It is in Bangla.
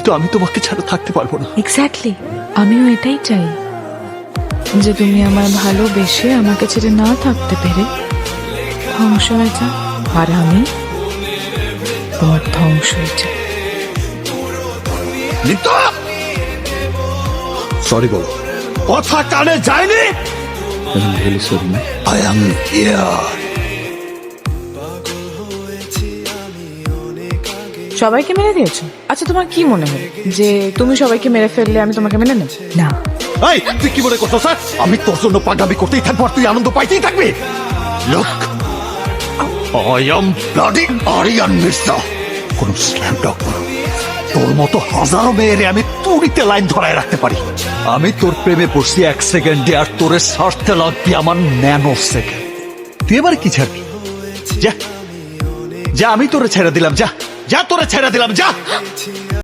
আমি তোমাকে ছাড়া থাকতে পারবো না। এক্স্যাক্টলি, আমিও এটাই চাই যে তুমি আমার ভালোবেসে আমাকে ছেড়ে না থাকতে পেরে ধ্বংস হয়ে যাও, আর আমি তোমার ধ্বংস হয়ে যাই। সরি বলো। কথা কানে যায়নি। I am here. সবাইকে মেরে দিয়েছো? আচ্ছা, তোমার কি মনে হয় যে তুমি সবাইকে মেরে ফেললে আমি তোমাকে মেনে নেব? না। এই তুই কি মনে করছো স্যার আমি তোর জন্য পাগামি করতেই থাকবো আর তুই আনন্দ পাইতেই থাকবি? Look, I am bloody Aryan Mirza. কোন স্ল্যাম ডগ তোর মতো হাজারো মেয়েরে আমি তুড়িতে লাইন ধরায় রাখতে পারি। আমি তোর প্রেমে পড়ছি 1 সেকেন্ডে, আর তোরে ছাড়তে লাগবি আমার ন্যানো সেকেন্ড। তুই এবার কি ছাড়বি? যা যা, আমি তোরে ছেড়ে দিলাম, যা যা, তোরে ছেড়ে দিলাম, যা।